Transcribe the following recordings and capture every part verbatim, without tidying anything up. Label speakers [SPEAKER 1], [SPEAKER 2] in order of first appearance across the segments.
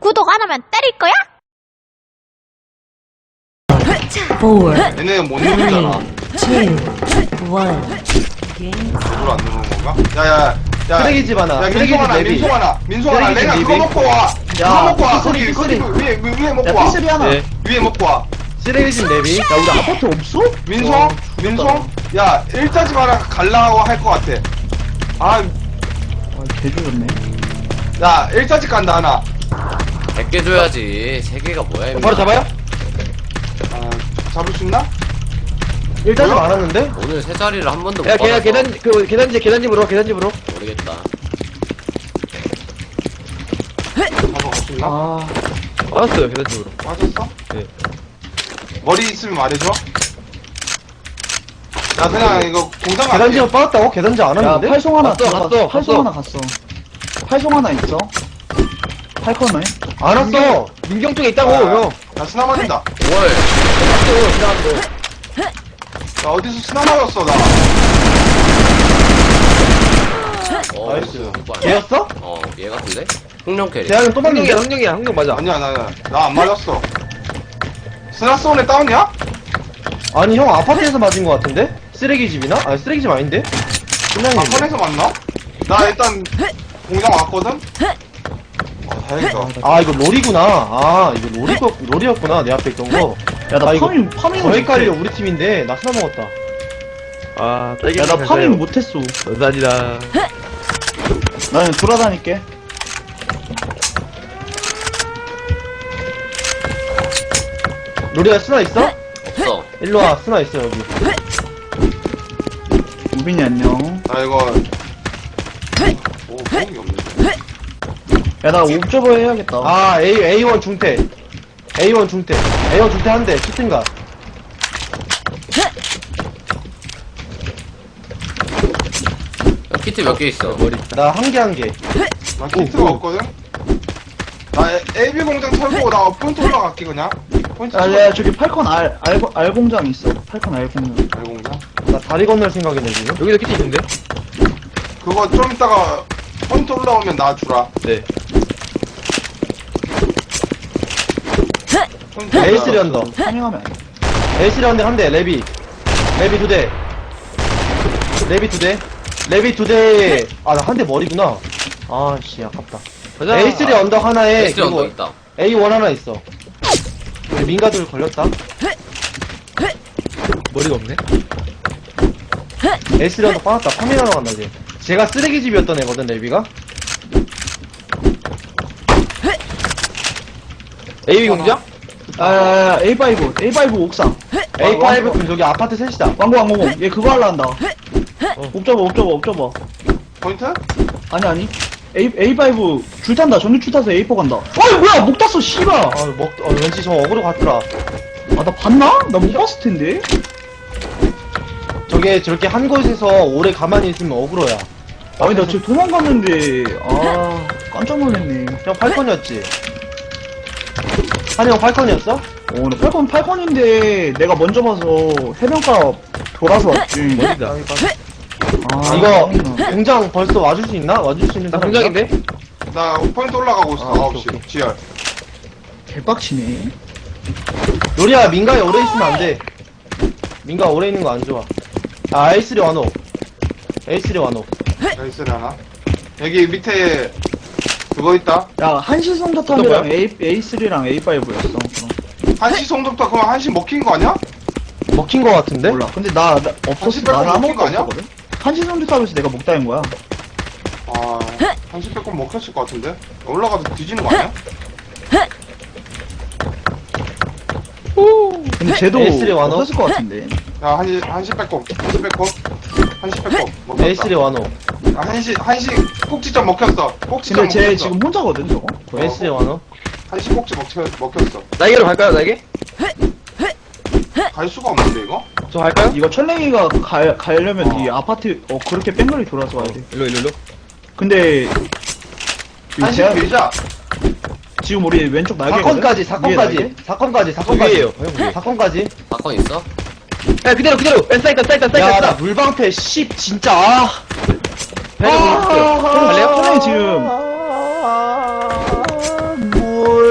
[SPEAKER 1] 구독 안 하면 때릴 거야?
[SPEAKER 2] 얘네 못 누르잖아.
[SPEAKER 3] 원.
[SPEAKER 2] 이걸 안 누르는 건가? 야야 야.
[SPEAKER 4] 쓰레기집 하나.
[SPEAKER 2] 야
[SPEAKER 4] 쓰레기집
[SPEAKER 2] 민송하나
[SPEAKER 4] 내비.
[SPEAKER 2] 민송하나 민송하나
[SPEAKER 4] 쓰레기집
[SPEAKER 2] 내가 그거
[SPEAKER 4] 내비.
[SPEAKER 2] 먹고 와. 그거
[SPEAKER 4] 야,
[SPEAKER 2] 먹고 와.
[SPEAKER 4] 피쓰리,
[SPEAKER 2] 거기 거기
[SPEAKER 4] 피쓰리.
[SPEAKER 2] 위에 위- 위에 먹고
[SPEAKER 4] 야,
[SPEAKER 2] 와.
[SPEAKER 4] 피쓰리 하나.
[SPEAKER 2] 네. 위에 먹고 와.
[SPEAKER 4] 쓰레기집 내비.
[SPEAKER 5] 야 우리 아파트 없어?
[SPEAKER 2] 민송
[SPEAKER 4] 어,
[SPEAKER 2] 민송. 야 일자집 하나 갈라고 할 것 같아. 아,
[SPEAKER 5] 아 개조졌네.
[SPEAKER 2] 야 일자집 간다 하나.
[SPEAKER 6] 백 개 줘야지. 세 개가 뭐야, 임마.
[SPEAKER 4] 바로 잡아요?
[SPEAKER 2] 아, 잡을 수 있나?
[SPEAKER 4] 일자집
[SPEAKER 2] 뭐야?
[SPEAKER 4] 안 왔는데?
[SPEAKER 6] 오늘 세 자리를 한 번도 못
[SPEAKER 4] 야,
[SPEAKER 6] 받아서
[SPEAKER 4] 계단, 계단, 그, 계단지, 계단집으로, 계단집으로.
[SPEAKER 6] 모르겠다.
[SPEAKER 2] 잡아갈 수 있나?
[SPEAKER 4] 아. 알았어요, 계단집으로.
[SPEAKER 2] 맞았어?
[SPEAKER 4] 네.
[SPEAKER 2] 머리 있으면 말해줘. 나 그냥 이거 공장 갈게.
[SPEAKER 4] 계단집은 빠졌다고? 계단지 안
[SPEAKER 5] 야
[SPEAKER 4] 왔는데?
[SPEAKER 5] 팔송 하나
[SPEAKER 4] 갔어,
[SPEAKER 5] 들어갔어.
[SPEAKER 4] 갔어,
[SPEAKER 5] 팔송
[SPEAKER 4] 갔어.
[SPEAKER 5] 하나 갔어. 팔송 하나 있어. 팔코너에.
[SPEAKER 4] 안 왔어. 민경 쪽에 있다고,
[SPEAKER 2] 아,
[SPEAKER 4] 형.
[SPEAKER 2] 나 스나 맞는다.
[SPEAKER 6] 월.
[SPEAKER 4] 왔어, 지나갔어.
[SPEAKER 2] 나 어디서 스나 맞았어, 나.
[SPEAKER 6] 어,
[SPEAKER 4] 나이스.
[SPEAKER 6] 오빠.
[SPEAKER 4] 걔였어?
[SPEAKER 6] 어, 얘 같은데? 흥룡 캐리.
[SPEAKER 4] 대학은 또 맞는 게 흥룡이야, 흥룡 맞아.
[SPEAKER 2] 아니야, 나, 나, 나 안 맞았어. 스나 쏘네 다운이야?
[SPEAKER 4] 아니, 형 아파트에서 맞은 거 같은데? 쓰레기집이나? 아니, 쓰레기집 아닌데? 끝나는
[SPEAKER 2] 아, 선에서 맞나? 나 일단 공장 왔거든? 아, 다행이다.
[SPEAKER 4] 아, 이거 롤이구나. 아, 이거 롤이고, 롤이었구나, 내 앞에 있던 거.
[SPEAKER 5] 야나
[SPEAKER 4] 아, 이거
[SPEAKER 5] 파밍 파밍
[SPEAKER 4] 더 헷갈려, 우리 팀인데. 나 스나 먹었다.
[SPEAKER 7] 아, 딸기
[SPEAKER 5] 야나 파밍 못했어.
[SPEAKER 7] 감사합니다.
[SPEAKER 5] 나는 돌아다닐게.
[SPEAKER 4] 롤이야, 스나 있어?
[SPEAKER 6] 없어.
[SPEAKER 4] 일로와, 스나 있어, 여기.
[SPEAKER 5] 우빈이 안녕.
[SPEAKER 2] 나 이거. 오, 보험이 없네.
[SPEAKER 5] 야나 옵저버 해야겠다.
[SPEAKER 4] 아, A, 에이원 중퇴. 에이원 중퇴. 에이원 중퇴 한 대, 키튼가.
[SPEAKER 6] 야, 키트 몇 개 있어?
[SPEAKER 4] 나 한 개, 한 개.
[SPEAKER 2] 나 키트가
[SPEAKER 4] 오, 오.
[SPEAKER 2] 없거든? 나 에이비 공장 털고 나 포인트 올라갈게, 그냥. 포인트
[SPEAKER 5] 아, 야 저기 팔콘 알, 알, 알 공장 있어. 팔콘 알 공장.
[SPEAKER 2] 알 공장?
[SPEAKER 4] 나 다리 건널 생각이네, 지금. 여기도 키트 있는데?
[SPEAKER 2] 그거 좀 이따가 포인트 올라오면 나 주라.
[SPEAKER 4] 네.
[SPEAKER 2] 포인트
[SPEAKER 4] 에이스리
[SPEAKER 2] 올라와.
[SPEAKER 4] 언더.
[SPEAKER 5] 파밍하면 안 돼.
[SPEAKER 4] 에이스리 언더 한 대, 레비. 레비 두 대. 레비 두 대. 레비 두 대. 아, 나 한 대 머리구나. 아, 씨, 아깝다. 에이스리 언더 하나에,
[SPEAKER 6] 에스리 언더
[SPEAKER 4] 그리고
[SPEAKER 6] 있다.
[SPEAKER 4] 에이원 하나 있어. 우리 민가들 걸렸다. 머리가 없네? 에이스리 언더 빠졌다. 파밍하러 간다, 이제. 제가 쓰레기집이었던 애거든, 레비가. 에이비 공장?
[SPEAKER 5] 아, 에이 파이브, 에이 파이브 옥상.
[SPEAKER 4] 에이 파이브 그 저기 아파트 셋이다.
[SPEAKER 5] 왕고 왕고. 얘 그거 하려 한다. 옵저버 옵저버 옵저버.
[SPEAKER 2] 포인트?
[SPEAKER 5] 아니 아니. 에이 에이 파이브 줄 탄다. 전기 줄 타서 에이 포 간다. 어이 뭐야 목 땄어 씨발.
[SPEAKER 4] 아, 먹, 어, 왠지 저 어그로 갔더라.
[SPEAKER 5] 아 나 봤나? 나 못 봤을 텐데.
[SPEAKER 4] 저게 저렇게 한 곳에서 오래 가만히 있으면 어그로야.
[SPEAKER 5] 아니 나 지금 도망갔는데 아 깜짝 놀랐네.
[SPEAKER 4] 형 팔콘이었지? 한이 형 팔콘이었어?
[SPEAKER 5] 어나 팔콘 팔콘인데 내가 먼저 봐서 해변가 돌아서 왔지.
[SPEAKER 4] 머리다.
[SPEAKER 5] 아
[SPEAKER 4] 이거
[SPEAKER 5] 짱이나.
[SPEAKER 4] 공장 벌써 와줄 수 있나? 와줄 수 있는
[SPEAKER 7] 나
[SPEAKER 4] 사람
[SPEAKER 7] 공장인데?
[SPEAKER 2] 나 포인트 올라가고 있어,
[SPEAKER 4] 아,
[SPEAKER 2] 아홉
[SPEAKER 4] 오케이,
[SPEAKER 2] 시.
[SPEAKER 4] 오케이.
[SPEAKER 2] 지열.
[SPEAKER 5] 개빡치네.
[SPEAKER 4] 요리야 민가에 오래 있으면 안 돼. 민가 오래 있는 거 안 좋아. 아 에이쓰리 완호. 에이쓰리 완호.
[SPEAKER 2] 에이스리 하나. 여기 밑에 그거 있다.
[SPEAKER 5] 야 한시 성자탑이랑 A A3랑 에이 파이브였어. 그럼.
[SPEAKER 2] 한시 송도부터 그럼 한시 먹힌 거 아니야?
[SPEAKER 4] 먹힌 거 같은데?
[SPEAKER 5] 몰라. 근데 나, 나
[SPEAKER 2] 한시
[SPEAKER 5] 없었어.
[SPEAKER 2] 빼고
[SPEAKER 5] 나
[SPEAKER 2] 먹힌 거
[SPEAKER 5] 아무것도
[SPEAKER 2] 아니야?
[SPEAKER 5] 없었거든. 한시 성자탑에서 내가 먹다인 거야.
[SPEAKER 2] 아, 한시 빼꼼 먹혔을 것 같은데? 올라가서 뒤지는 거 아니야?
[SPEAKER 5] 근데 쟤도
[SPEAKER 4] 에이쓰리 완호?
[SPEAKER 5] 없었을 것 같은데.
[SPEAKER 2] 야, 한시, 한시 빼꼼, 한시 빼꼼, 한시 빼꼼. 먹혔다.
[SPEAKER 4] 에이쓰리 완호.
[SPEAKER 2] 아, 한시, 한시 꼭지점 먹혔어. 꼭지점
[SPEAKER 5] 근데 쟤
[SPEAKER 2] 먹혔어.
[SPEAKER 5] 지금 혼자거든 저거.
[SPEAKER 2] 어.
[SPEAKER 4] 에이쓰리 완호.
[SPEAKER 2] 한시 꼭지 먹혀, 먹혔어.
[SPEAKER 7] 날개로 갈까요, 날개?
[SPEAKER 2] 갈 수가 없는데, 이거?
[SPEAKER 7] 저 갈까요?
[SPEAKER 5] 이거 철랭이가 가, 가려면
[SPEAKER 2] 어.
[SPEAKER 5] 이 아파트 어 그렇게 뺑글이 돌아서 와야 돼.
[SPEAKER 7] 일로, 일로, 일로.
[SPEAKER 5] 근데 이
[SPEAKER 2] 한시
[SPEAKER 5] 제한-
[SPEAKER 2] 밀자.
[SPEAKER 5] 지금 우리 왼쪽 날개.
[SPEAKER 4] 사건까지, 사건까지. 사건까지, 사건까지.
[SPEAKER 7] 위에요, 형 위에.
[SPEAKER 4] 사건까지.
[SPEAKER 6] 사건 있어?
[SPEAKER 7] 야, 그대로, 그대로. 엔 사이다, 사이다, 사이다.
[SPEAKER 4] 야, 나 물방패 씨 진짜. 아.
[SPEAKER 7] 배를 보여줄게요.
[SPEAKER 5] 형 갈래요? 철랭이 지금
[SPEAKER 4] 물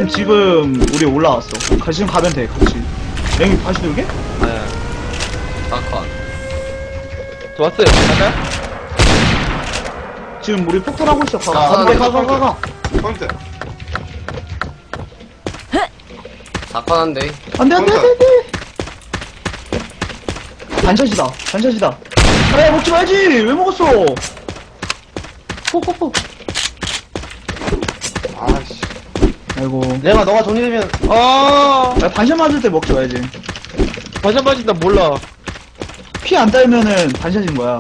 [SPEAKER 5] 지금 우리 올라왔어. 가- 지금 가면 돼, 같이. 랭이 다시 돌게?
[SPEAKER 7] 아야.
[SPEAKER 6] 사건.
[SPEAKER 7] 좋았어요. 갈까요?
[SPEAKER 5] 지금 우리 폭탄하고 있어. 가,
[SPEAKER 2] 자,
[SPEAKER 5] 가, 가,
[SPEAKER 2] 포인트,
[SPEAKER 5] 가, 가, 가, 가.
[SPEAKER 2] 포인트.
[SPEAKER 6] 사건 한대.
[SPEAKER 5] 안 돼, 안 돼, 안 돼, 안 돼. 반샷이다, 반샷이다. 아, 먹지 말지! 왜 먹었어? 호호호.
[SPEAKER 2] 아씨.
[SPEAKER 5] 아이고.
[SPEAKER 4] 내가 너가 정리되면
[SPEAKER 7] 아,
[SPEAKER 5] 야, 반샷 맞을 때 먹지 말지.
[SPEAKER 7] 반샷 맞은 난 몰라.
[SPEAKER 5] 피 안 달면은 반샷인 거야.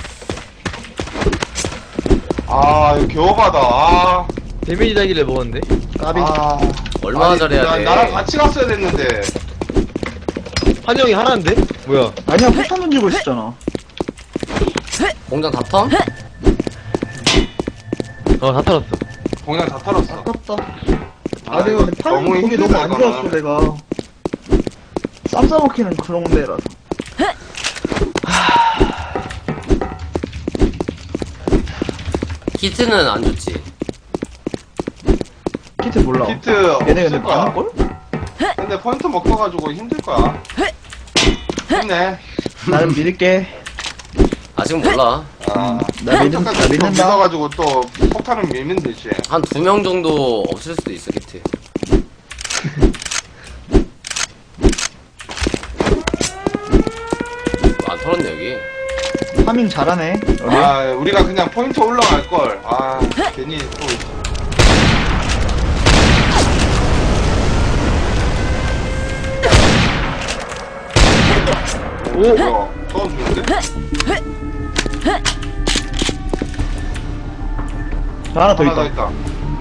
[SPEAKER 2] 아, 이거 겨우가다. 아.
[SPEAKER 7] 데미지 달기를 먹었는데.
[SPEAKER 5] 까비.
[SPEAKER 2] 아.
[SPEAKER 6] 얼마나
[SPEAKER 2] 아니,
[SPEAKER 6] 잘해야
[SPEAKER 2] 나-
[SPEAKER 6] 돼?
[SPEAKER 2] 나랑 같이 갔어야 됐는데.
[SPEAKER 7] 한영이 하나인데? 뭐야?
[SPEAKER 5] 아니야, 폭탄 던지고 있었잖아.
[SPEAKER 6] 공장 다 텀?
[SPEAKER 7] 어, 다 털었어.
[SPEAKER 2] 공장 다 털었어.
[SPEAKER 5] 아깝다.
[SPEAKER 2] 아,
[SPEAKER 5] 아, 내가
[SPEAKER 2] 이거
[SPEAKER 5] 근데 타이밍
[SPEAKER 2] 너무
[SPEAKER 5] 거기
[SPEAKER 2] 힘들다,
[SPEAKER 5] 너무 안
[SPEAKER 2] 이거는.
[SPEAKER 5] 좋았어, 내가. 쌈 싸먹히는 그런 데라서.
[SPEAKER 6] 키트는 안 좋지.
[SPEAKER 5] 키트 몰라.
[SPEAKER 2] 키트
[SPEAKER 5] 얘네 근데
[SPEAKER 2] 없을 거야.
[SPEAKER 5] 많을걸?
[SPEAKER 2] 근데 포인트 먹어가지고 힘들 거야. 힘내.
[SPEAKER 5] 나는 믿을게.
[SPEAKER 6] 아직 몰라.
[SPEAKER 2] 아,
[SPEAKER 5] 나 믿는- 나 믿는다.
[SPEAKER 2] 믿어가지고 또 폭탄을 밀면 되지.
[SPEAKER 6] 한 두 명 정도 없을 수도 있어, 키트. 안 털었네, 여기.
[SPEAKER 5] 파밍 잘하네. 우리.
[SPEAKER 2] 아, 우리가 그냥 포인트 올라갈 걸. 아, 괜히 또. 오, 뭐야? 떨어지는데?
[SPEAKER 5] 저 하나 더
[SPEAKER 2] 하나 더
[SPEAKER 5] 있다.
[SPEAKER 2] 있다.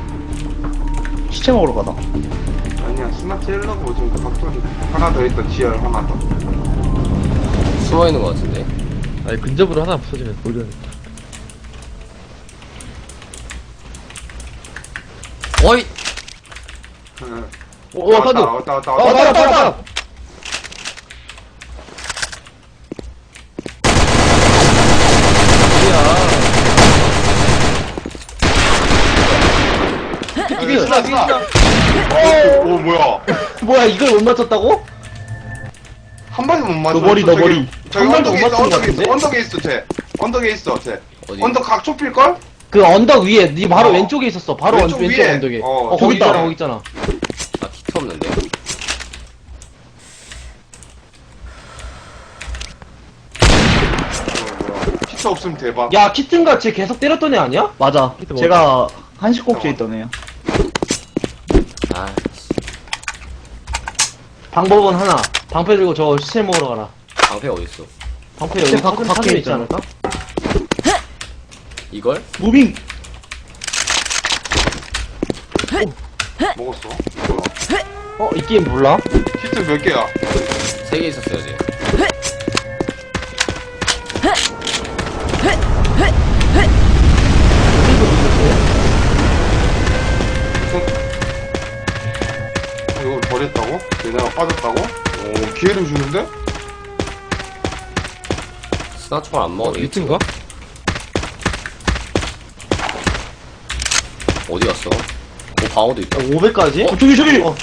[SPEAKER 5] 시체 먹으러 가다.
[SPEAKER 2] 아니야, 스마트 힐러고 지금 각도니 하나 더 있다. 지열 하나 더.
[SPEAKER 6] 숨어 있는 것 같은데.
[SPEAKER 7] 아니, 근접으로 하나 부서지면 모르겠다.
[SPEAKER 6] 어이!
[SPEAKER 2] 응.
[SPEAKER 7] 오, 오, 사도.
[SPEAKER 2] 왔다, 왔다, 왔다,
[SPEAKER 7] 어,
[SPEAKER 2] 왔다.
[SPEAKER 7] 왔다, 왔다, 왔다.
[SPEAKER 2] 여기 스나, 스나. 오, 오, 뭐야?
[SPEAKER 4] 뭐야 이걸 못 맞췄다고?
[SPEAKER 2] 한 발도 못 맞춰.
[SPEAKER 5] 너 머리, 너
[SPEAKER 2] 저기-
[SPEAKER 5] 머리.
[SPEAKER 2] 저기
[SPEAKER 4] 한 발도
[SPEAKER 2] 언덕에
[SPEAKER 4] 못
[SPEAKER 2] 있어,
[SPEAKER 4] 맞춘 것
[SPEAKER 2] 언덕에 있어,
[SPEAKER 4] 같은데?
[SPEAKER 2] 언덕에 있어, 쟤. 언덕에 있어, 쟤.
[SPEAKER 6] 어디?
[SPEAKER 2] 언덕 각 좁힐걸?
[SPEAKER 4] 그 언덕 위에 네 바로
[SPEAKER 2] 어.
[SPEAKER 4] 왼쪽에 있었어. 바로
[SPEAKER 2] 왼쪽
[SPEAKER 4] 왼쪽, 왼쪽
[SPEAKER 2] 위에.
[SPEAKER 4] 언덕에.
[SPEAKER 2] 어,
[SPEAKER 4] 어,
[SPEAKER 2] 저기
[SPEAKER 4] 거기 있잖아,
[SPEAKER 2] 있다.
[SPEAKER 4] 거기 있잖아.
[SPEAKER 6] 아, 키트 없는데.
[SPEAKER 2] 피처 없으면 대박.
[SPEAKER 4] 야 키튼가 쟤 계속 때렸던 애 아니야?
[SPEAKER 5] 맞아.
[SPEAKER 7] 키트
[SPEAKER 5] 제가 한식꼭지에 있던 애야.
[SPEAKER 6] 아,
[SPEAKER 4] 방법은 하나. 방패 들고 저 시체 먹으러 가라.
[SPEAKER 6] 방패 어딨어?
[SPEAKER 4] 방패 여기
[SPEAKER 5] 시체 밖-
[SPEAKER 4] 사진,
[SPEAKER 5] 밖에
[SPEAKER 4] 사진에 있지
[SPEAKER 5] 있잖아.
[SPEAKER 4] 않을까?
[SPEAKER 6] 이걸?
[SPEAKER 5] 무빙.
[SPEAKER 2] 먹었어. 뭐야?
[SPEAKER 4] 어? 이 게임 몰라?
[SPEAKER 2] 히트 몇 개야?
[SPEAKER 6] 세 개 있었어야지.
[SPEAKER 2] 이걸 버렸다고? 얘네가 빠졌다고? 오, 기회를 주는데?
[SPEAKER 6] 스나총을 안
[SPEAKER 7] 어,
[SPEAKER 6] 먹어도 되겠지.
[SPEAKER 7] 유튜브가?
[SPEAKER 6] 어디 갔어? 오, 방어도 있다.
[SPEAKER 4] 오백까지?
[SPEAKER 5] 어, 저기, 저기!
[SPEAKER 4] 어.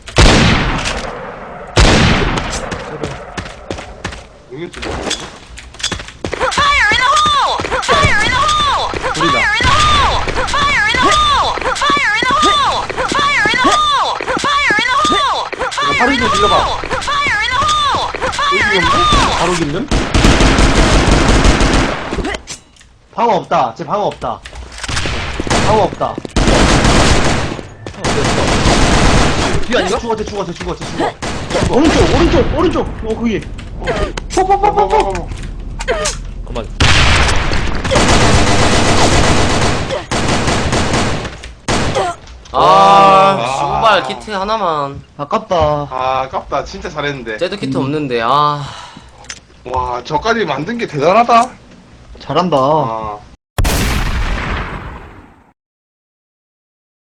[SPEAKER 2] 이게 좀
[SPEAKER 1] Fire in the hole! Fire in the hole! Fire in the hole! Fire in the hole! Fire in the hole! Fire in the hole! Fire in the hole! Fire
[SPEAKER 4] 하루
[SPEAKER 1] in
[SPEAKER 4] 좀
[SPEAKER 1] the
[SPEAKER 4] 질러봐.
[SPEAKER 1] hole! Fire in the hole! Fire in the hole!
[SPEAKER 4] 바로 길름? 방어 없다. 쟤 방어 없다. 방어 없다.
[SPEAKER 7] 뒤 아닌가?
[SPEAKER 4] 죽어, 쟤 죽어, 쟤 죽어, 쟤 죽어.
[SPEAKER 5] 오른쪽, 오른쪽, 오른쪽! 어, 거기.
[SPEAKER 2] 뽀뽀뽀뽀뽀.
[SPEAKER 7] 잠깐만.
[SPEAKER 6] 아, 씨발, 키트 하나만.
[SPEAKER 5] 아깝다.
[SPEAKER 2] 아, 아깝다. 진짜 잘했는데.
[SPEAKER 6] 쟤도 키트 없는데, 아.
[SPEAKER 2] 와, 저까지 만든 게 대단하다.
[SPEAKER 5] 잘한다.
[SPEAKER 2] 아.